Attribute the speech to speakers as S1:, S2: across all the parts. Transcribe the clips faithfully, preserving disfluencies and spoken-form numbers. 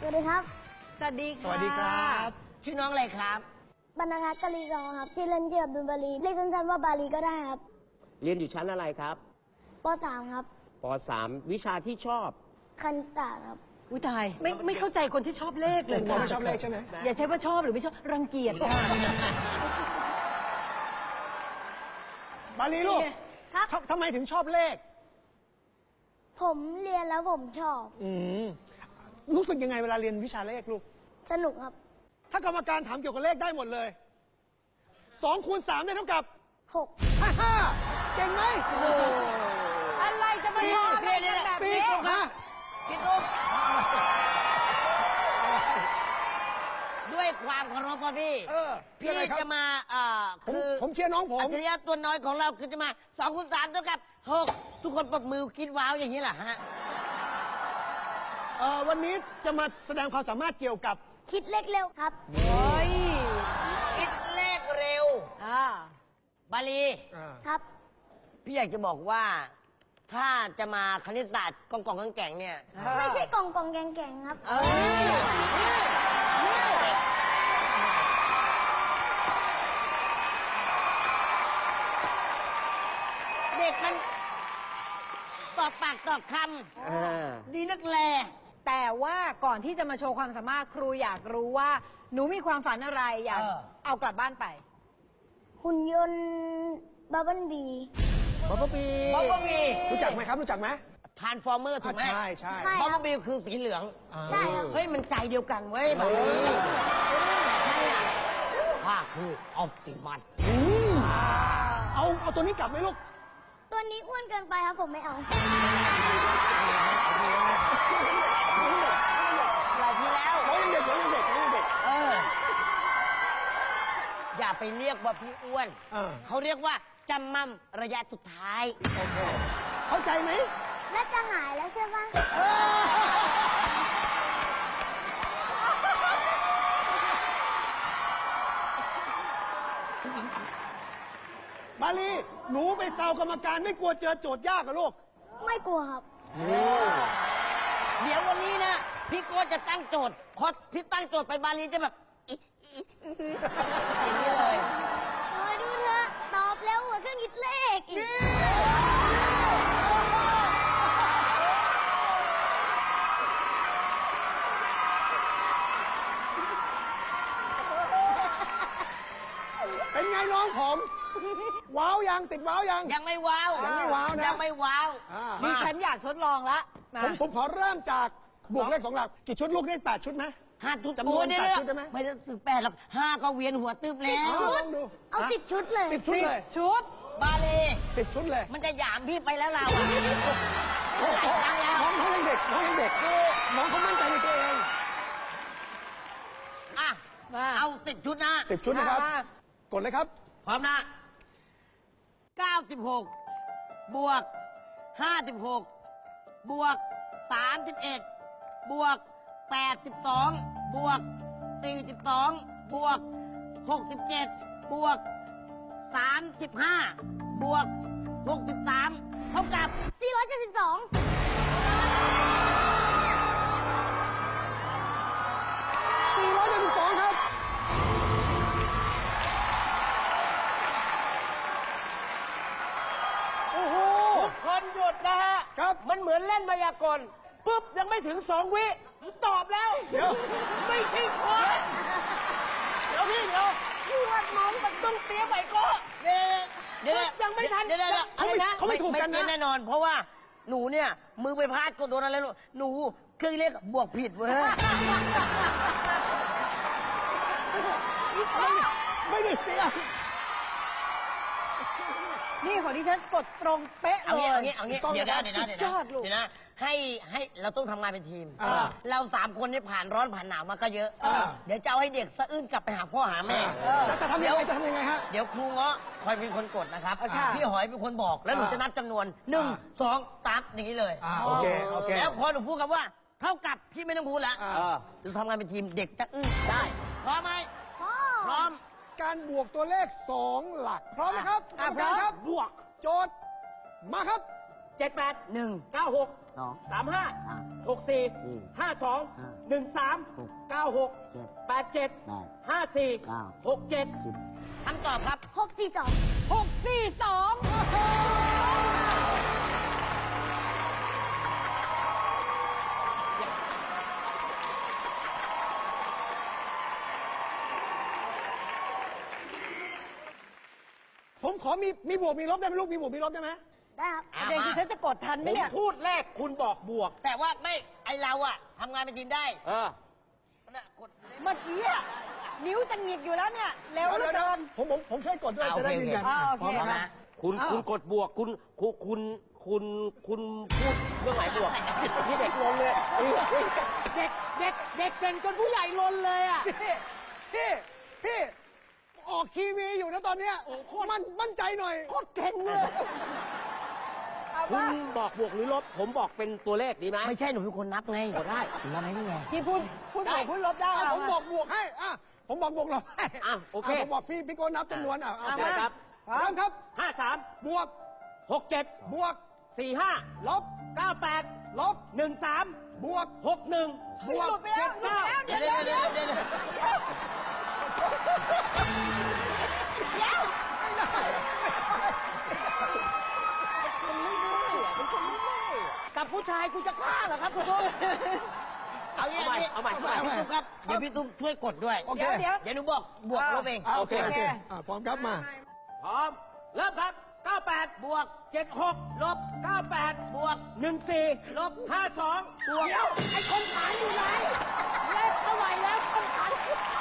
S1: วัสดีครับ
S2: สวัสดีค่ะ
S3: สวัสดีครับชื่อน้องอะไรครับ
S1: บรรณทัศน์กะลีรองครับชื่อเล่นชื่ออับดุลบาลีเรียกสั้นๆว่าบาลีก็ได้ครับ
S4: เรียนอยู่ชั้นอะไรครับ
S1: ป สาม ครับ
S4: ป สาม วิชาที่ชอบ
S1: คณิตศาสตร์ครับ
S2: อุ้ยตายไม่ไม่เข้าใจคนที่ชอบเลขเลย
S3: ผมไม่ชอบเลขใช่ไหม
S2: อย่าใช้ว่าชอบหรือไม่ชอบรังเกียจค่ะ
S3: บาลีลูก
S1: ครับ
S3: ทำไมถึงชอบเลข
S1: ผมเรียนแล้วผมชอบ
S3: อืมรู้สึกยังไงเวลาเรียนวิชาเลขลูก
S1: สนุกครับ
S3: ถ้ากรรมการถามเกี่ยวกับเลขได้หมดเลยสองคูณสามได้เท่ากับ
S1: หก
S3: ฮ่าฮ่าเก่งไหม
S2: อะไรจะมาชอบเลขกันแบบ
S3: สี่
S2: นี้
S3: ฮะ
S5: พี่ตุ๊กด้วยความเคารพพ่อพี่
S3: เออ
S5: พี่จะมาเอ่อ
S3: ผม
S5: คือ
S3: ผมเชียร์น้องผม
S5: อัจฉริยะตัวน้อยของเราคือจะมาสองคูณสามเท่ากับหกทุกคนปรบมือคิดว้าวอย่างนี้แหละฮะ
S3: เอ่อวันนี้จะมาแสดงความสามารถเกี่ยวกับ
S1: คิดเลขเร็วครับ
S2: โอ้ย
S5: คิดเลขเร็ว
S2: อ่า
S5: บาลี
S1: ครับ
S5: พี่อยากจะบอกว่า ถ้าจะมาคณิตศาสตร์กองกองแก่งๆเนี่ย
S1: ไม่ใช่กองกองแกงแกงครับ
S2: เอ้ย
S5: เด็กมันตอบปากตอบคำดีนักแล
S2: แต่ว่าก่อนที่จะมาโชว์ความสามารถครูอยากรู้ว่า หนูมีความฝันอะไรอยากเอากลับบ้านไป
S1: หุ่นยนต์บับเบิ้ลบี
S3: บับเบิ้ลบี
S5: บับเบิ้ลบี
S3: รู้จักไหมครับรู้จักไหม
S5: ทรานส์ฟอร์เมอร์ถูกไหม
S3: ใช่ใช่
S5: บับเบิ้ลบีคือสีเหลือง
S1: ใช่ครับ
S5: เฮ้ยมันใจเดียวกันเว้ยแบบนี้ใช่อะข้าคือออปติมัส
S3: เอาเอาตัวนี้กลับไหมลูก
S1: ตัวนี้อ้วนเกินไปครับผมไม่เอา
S5: เราพี่แล้ว
S3: น้องยังเด็กน้องยังเด็กน้องยังเด็ก
S5: เอออย่าไปเรียกว่าพี่อ้วนเขาเรียกว่าจำมั่มระยะสุดท้าย
S3: โอเคเข้าใจไหม
S1: และจะหายแล้วใช่ปะ
S3: บาลีหนูไปแซวกรรมการไม่กลัวเจอโจทย์ยากกับลูก
S1: ไม่กลัวครับ
S5: เดี๋ยววันนี้นะพี่โก้จะตั้งโจทย์พอพี่ตั้งโจทย์ไปบาลีจะแบบอย่างนี้เลย
S1: เออดูเถอะตอบเร็วกว่าเครื่องคิดเลขอีก
S3: เป็นไงน้องผมว้าวยังติดว้าวยัง
S5: ยังไม่ว้าว
S3: ยังไม่ว้าวนะ
S5: ยังไม่ว้าว
S2: ดิฉันอยากทดลองละ
S3: ผมผมขอเริ่มจากบวกเลขสองหลักกี่ชุดลูกได้แปดชุดไหม
S5: ห้าชุด
S3: จำนวนแปดชุดได้ไหม
S5: ไม่ต้องถึงแปดหรอกห้าก็เวียนหัวตึ๊บแล้ว
S3: ลองดู
S1: เอาสิบชุดเลย
S3: สิบชุดเลย
S2: ชุด
S5: บาลี
S3: สิบชุดเลย
S5: มันจะหยามพี่ไปแล้วเราหลายครั้งแล้ว
S3: น้องน้องยังเด็กน้องยังเด็กน้องเขามั่นใจในตัวเอง
S5: อ่ะเอาสิบชุดนะ
S3: สิบชุดนะครับกดเลยครับ
S5: พร้อมนะเก้าสิบหกบวกห้าสิบหกบวกสามสิบเอ็ดบวกแปดสิบสองบวกสี่สิบสองบวกหกสิบเจ็ดบวกสามสิบห้าบวกหกสิบสามเท่ากับ
S1: สี่ร้อยเจ็ดสิบสอง
S3: สี่ร้อยเจ็ดสิบสองครับโอ้โห
S6: ทุกคนหยุดนะฮะ
S3: ครับ
S6: มันเหมือนเล่นมายากลปุ๊บยังไม่ถึงสองวิตอบแล้ว
S3: เดี๋ยว
S6: ไม่ใช่คน
S3: เดี๋ยวพี่เดี๋ยว
S6: พี่ว่าน้องมันต้องเตี้ยไปก็
S5: เดี๋ยวเดี๋ยว
S6: ยังไม่ทัน
S5: เดี๋ยว
S3: เขาไม่เขาไม่ถูกกันนะ
S5: แน่นอนเพราะว่าหนูเนี่ยมือไปพลาดก็โดนอะไรหนูเครื่องเรียกบวกผิดเว้ย
S3: ไม่ได้เตี้ย
S2: นี่ของดิฉันกดตรงเป๊ะเลย
S5: เอางี้เอางี้เอางี้เดี๋ยวนะเดี๋ยวนะเดี๋ยวนะเดี๋ยวนะให้ให้เราต้องทำงานเป็นทีมเราสามคนนี่ผ่านร้อนผ่านหนาวมาก็เยอะเดี๋ยวจะเอาให้เด็กสะอื้นกลับไปหาพ่อหาแม่
S3: จะจะทำยังไงจะทำยังไงฮะ
S5: เดี๋ยวครูเงาะคอยเป็นคนกดนะครับพี่หอยเป็นคนบอกแล้วหนูจะนับจำนวนหนึ่งสองสามอย่างนี้เลย
S3: โอเคโอเค
S5: แล้วพอหนูพูดคำว่าเท่ากับพี่ไม่ต้องพูดแล้วเราทำงานเป็นทีมเด็กจะอื้นได้พร้อมไหมพร้อม
S3: การบวกตัวเลขสองหลักพร้อมไหมครับ
S6: พร้อม
S3: ครับบวกโจทย์มาครับ
S6: เจ็ดแปด
S5: หนึ่ง
S6: เก้าหก
S5: สอง
S6: สามห้า
S5: สาม
S6: หกสี่
S5: สี่
S6: ห้าสอง
S5: ห้า
S6: หนึ่งสาม
S5: หก
S6: เก้าหก
S5: เจ็ด
S6: แปดเจ็ด
S5: แปด
S6: ห้าสี่
S5: เก้า
S6: หกเจ็ด
S5: สิบคำตอบครับ
S1: หกสี่สอง
S2: หกสี่สอง
S3: ผมขอมีมีบวกมีลบได้ไหมลูกมีบวกมีลบได้ไหม
S1: ได้ครับ
S2: ประเด็นคือฉันจะกดทันไห
S6: ผม ม
S2: เนี่ย
S6: พูดแรกคุณบอกบวก
S5: แต่ว่าไม่ไอเราอะทำงานเป็นทีมได้
S6: เออ
S5: น่ะกด
S2: เมื่อกี้อะนิ้วจะหงิกอยู่แล้วเนี่ย เร็วเหลือ
S3: เดี๋ยว
S2: เกิน
S3: ผมผมผมช่วยกดด้วย
S5: อ่า
S3: จะได้
S5: โอเค
S3: ยืนยัน
S2: อ่าโอเค
S3: พร้อม
S5: พร้อม
S3: นะ
S5: นะ
S6: คุณ
S3: อ้าว
S6: คุณกดบวกคุณคุณคุณคุณคุณพูดเรื่องไหนบวกนี่เด็กลนเลยเด็กเด็กเด็กเก่งจนผู้ใหญ่ลนเลยอ่ะ
S3: พี่พี่พี่ออกทีวีอยู่นะตอนเนี้ย
S6: โอ้โคตร
S3: มันมั่นใจหน่อย
S6: โคตรเก่งเลย คุณบอกบวกหรือลบ ผมบอกเป็นตัวเลขดีไหม
S5: ไม่ใช่หนูเป็นคนนับไง
S6: กดได้
S5: หนูนับให้นี่ไง
S2: ที่พูดพูดบวกพูดลบได้
S3: อ่ะ
S2: เอา
S3: ผมบอกบวกให้อ่ะผมบอกบวกลบให้
S6: อ่ะโอเค
S3: ะผมบอกพี่พี่โกนับจำนวนอ่ะเอา
S2: เอา
S3: โอเค
S2: มา
S3: ครับเริ่มครับ
S6: ห้าสาม
S3: บวก
S6: หกเจ็ด
S3: บวก
S6: สี่ห้า
S3: ลบ
S6: เก้าแปด
S3: ลบ
S6: หนึ่งสาม
S3: บวก
S6: หกหนึ่ง
S3: บวก
S2: หลุดไปแล้วหลุดไปแล้ว
S5: เดี๋ยวเดี๋ยวเดี๋ยวเดี๋ยวเดี๋ยว
S6: กับผู้ชายกูจะกล้าเหรอครับคุณผู้ชม
S5: เอาอย่างนี้
S6: เอาใหม่เอาใหม่
S5: พี่ตุ๊กครับ เดี๋ยวพี่ตุ๊กช่วยกดด้วย
S3: โอเค
S2: เดี๋ยวเดี๋ยว
S5: เดี๋ยวหนูบอกบวกลบเอง
S3: อ่ะโอเค
S2: โอ
S3: โอ
S2: เค
S3: เคอ่ะพร้อมครับมา
S6: พร้อม เริ่มครับ เก้าแปด
S5: บวก
S6: เจ็ดหก
S5: ลบ
S6: เก้าแปด
S5: บวก
S6: หนึ่งสี่
S5: ลบ
S6: ห้าสอง
S5: บวก
S6: เดี๋ยวไอ้คนขายอยู่ไหนเลขเท่าไหร่แล้วคนขาย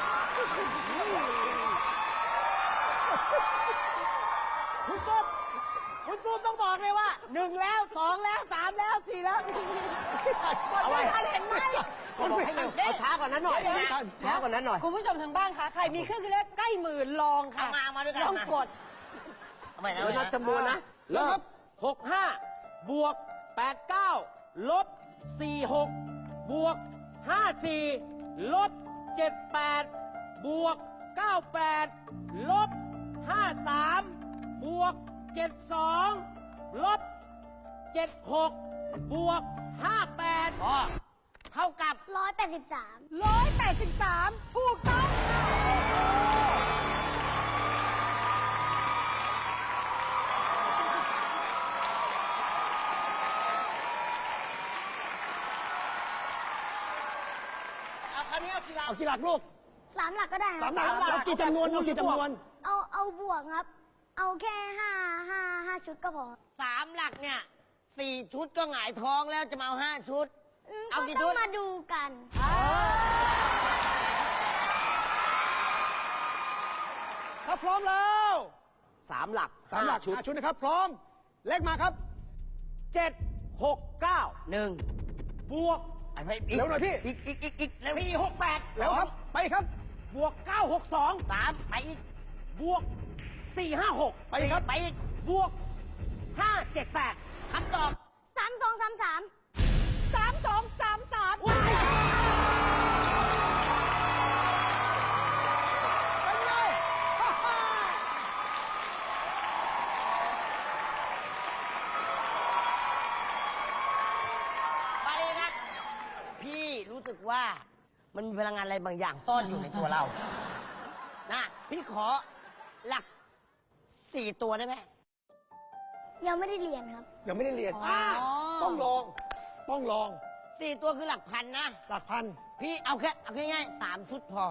S6: คุณซุปคุณซุปต้องบอกเลยว่าหนึ่งแล้วสองแล้วสามแล้วสี่แล้ว
S2: กดไม่ทันเห็นไหม
S3: คนไม่ทัน
S6: เอาช้ากว่านั้นหน่อย
S2: เดี๋ยว
S3: ไม่ทัน
S6: ช้ากว่านั้นหน่อย
S2: คุณผู้ชมทางบ้านคะ ใครมีเครื่องคิดเลขใกล้หมื่นลองค่ะ
S5: เอามามาด้วยกัน
S2: ลอง
S5: มา
S2: กด
S5: เอาใหม่นะ
S6: เดี๋ยวนับ
S5: เอาใหม่นะ
S6: จำนวนนะ
S3: เริ่มครับ
S6: หกห้าบวกแปดเก้าลบสี่หกบวกห้าสี่ลบเจ็ดแปดบวกเก้าแปดลบห้าสามบวกเจ็ดสองลบเจ็ดหกบวกห้าแปด
S5: พอเท่ากับ
S1: ร้อยแปดสิบสาม
S2: ร้อยแปดสิบสามถูกต้อง
S6: เอาคราวนี้เอากีฬา
S3: เอากี่หลักลูก
S1: สามหลักก็ได้ค
S3: สา
S1: รับ
S3: มหลักเอากี่จำนวนเอากี่จำนวน
S1: เอาเอาบวกครับ เอาแค่ห้าห้าห้าชุดก็พอ
S5: สามหลักเนี่ยสี่ชุดก็หงายท้องแล้วจะมาเอาห้าชุด
S1: อืม
S5: เอา
S1: ก็
S5: กี่
S1: ต้
S5: ชุ
S1: อง
S5: ด
S1: มาดูกัน
S3: ถ้าพร้อมแล้ว
S6: สามหลัก
S3: สามหลัก
S6: ชุด
S3: ห้าชุดนะครับ พร้อม เลขมาครับ
S6: เจ็ดหกเก้า
S5: หนึ่ง
S6: บวก
S5: อันไปอีก
S3: เร็วหน่อยพี่
S5: อีกอีกอีกอีกเร็ว
S6: สี่หกแปด
S3: แล้วครับ ไปครับ
S6: บวกเก้าหกสอง
S5: สามไปอีก
S6: บวกสี่ห้าหก
S3: ไปครับ
S5: ไปอีก
S6: บวกห้าเจ็ดแปด
S5: คำตอบ
S1: สามสองสามสาม
S2: สามสองสามสาม
S3: เป็นไงฮ่าฮ่า
S5: ไปครับ พี่รู้สึกว่ามันมีพลังงานอะไรบางอย่างซ่อนอยู่ในตัวเรา นะพี่ขอหลักสี่ตัวได้ไหม
S1: ยังไม่ได้เรียนครับ
S3: ยังไม่ได้เรียน
S2: อ๋อ
S3: ต้องลอง ต้องลอง
S5: สี่ตัวคือหลักพันนะ
S3: หลักพัน
S5: พี่เอาแค่เอาแค่ง่ายๆสามชุดพอ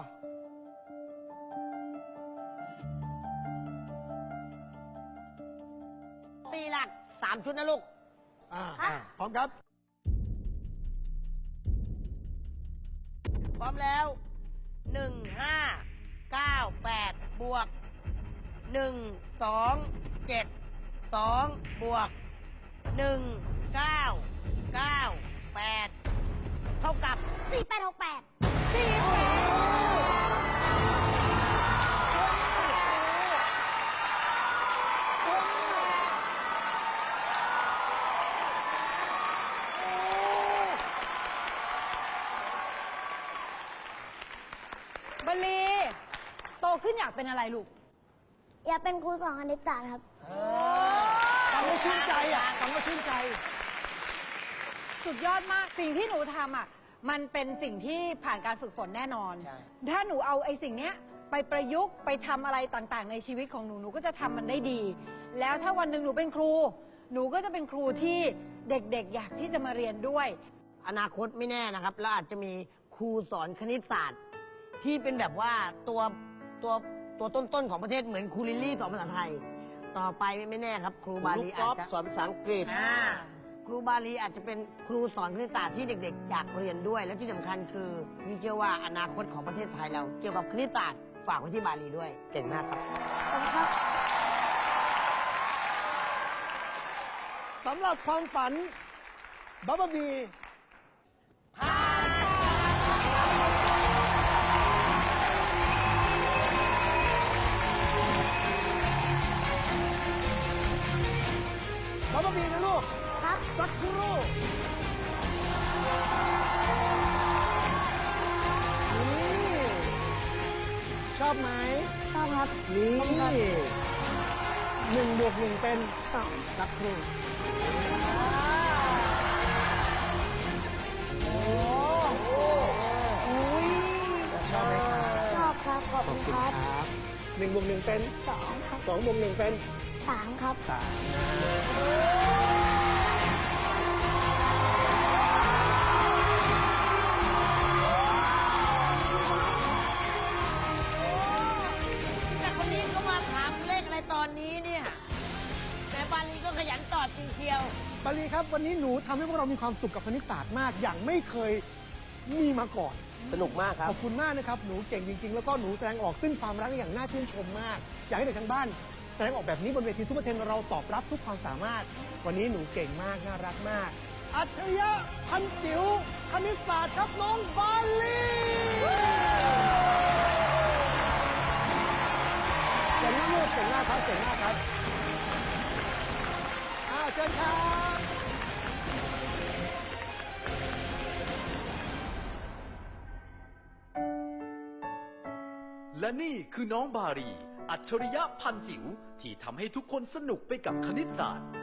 S5: สี่หลักสามชุดนะลูก
S3: อ่า
S1: อ่ะ
S3: พร้อมครับ
S5: พร้อมแล้วหนึ่งห้าเก้าแปดบวกหนึ่งสองเจ็ดสองบวกหนึ่งเก้าเก้าแปดเท่ากับ
S1: สี่แปดหกแปด
S2: สี่แปด บลี โตขึ้นอยากเป็นอะไรลูก
S1: อยากเป็นครูสอนคณิตศาสตร์ครับ
S2: โอ้
S3: ฟังแล้วชื่นใจอ่ะฟังแล้วชื่นใจ
S2: สุดยอดมากสิ่งที่หนูทำอ่ะมันเป็นสิ่งที่ผ่านการฝึกฝนแน่นอน
S5: ใช่
S2: ถ้าหนูเอาไอ้สิ่งเนี้ยไปประยุกต์ไปทำอะไรต่างๆ ในชีวิตของหนูหนูก็จะทำมันได้ดี แล้วถ้าวันหนึ่งหนูเป็นครู หนูก็จะเป็นครูที่เด็กๆ อยากที่จะมาเรียนด้วย
S5: อนาคตไม่แน่นะครับเราอาจจะมีครูสอนคณิตศาสตร์ ที่เป็นแบบว่าตัวตัวตัวต้นๆของประเทศเหมือนครูลิลลี่สอนภาษาไทย ต่อไปไม่แน่ครับ ครูบา
S4: ลู
S5: ลี
S4: กก
S5: อา
S4: อ
S5: จ
S4: ล์ฟ
S5: จะ
S4: สอนภาษาอังกฤษ
S5: อ่าครูบาลีอาจจะเป็นครูสอนคณิตศาสตร์ที่เด็กๆ อยากเรียนด้วย และที่สำคัญคือมีเชื่อว่าอนาคตของประเทศไทยเรา เกี่ยวกับคณิตศาสตร์ฝากไว้ที่บาลีด้วยเก่งมากครับ
S1: ขอบคุณครับ
S3: สำหรับความฝันบับเบิ้ลบีบับเบิ้ลบีนะลูก
S1: ครับ
S3: สักครู่นี่ชอบไหม
S1: ชอบครับ
S3: นี่
S1: ขอบคุณครับ
S3: หนึ่งบวกหนึ่งเป็น
S1: สอง
S3: สักครู่ ชอบไหมครับ
S1: ชอบครับ ขอบ
S3: ขอ
S1: คุ
S3: บ
S1: ณ
S3: คุณ
S1: ค
S3: ครับ รับหนึ่งบวกหนึ่งเป็น
S1: สองครับ
S3: สองบวกหนึ่งเป็น
S1: สามครับ
S3: สามนะ
S5: แต่คนนี้เขามาถามเลขอะไรตอนนี้เนี่ย แต่บาลีก็ขยันตอบจริงเชียว
S3: บาลีครับ วันนี้หนูทำให้พวกเรามีความสุขกับคณิตศาสตร์มาก อย่างไม่เคยมีมาก่อน
S4: สนุกมากครั
S3: ข
S4: บ
S3: อบคุณมากนะครับ หนูเก่งจริง ๆ แล้วก็หนูแสดงออกซึ่งความรักอย่างน่าชื่นชมมาก อยากให้เด็กทั้งบ้าน แสดงออกแบบนี้บนเวทีซุปเปอร์เทนเราตอบรับทุกความสามารถ วันนี้หนูเก่งมาก น่ารักมาก อัจฉริยะพันจิ๋วคณิตศาสตร์ครับน้องบาลีเก่งมากลูกเก่งมากครับเก่งมากครับอ้าวเชิญครับ
S7: และนี่คือน้องบารี อัจฉริยะพันจิ๋วที่ทำให้ทุกคนสนุกไปกับคณิตศาสตร์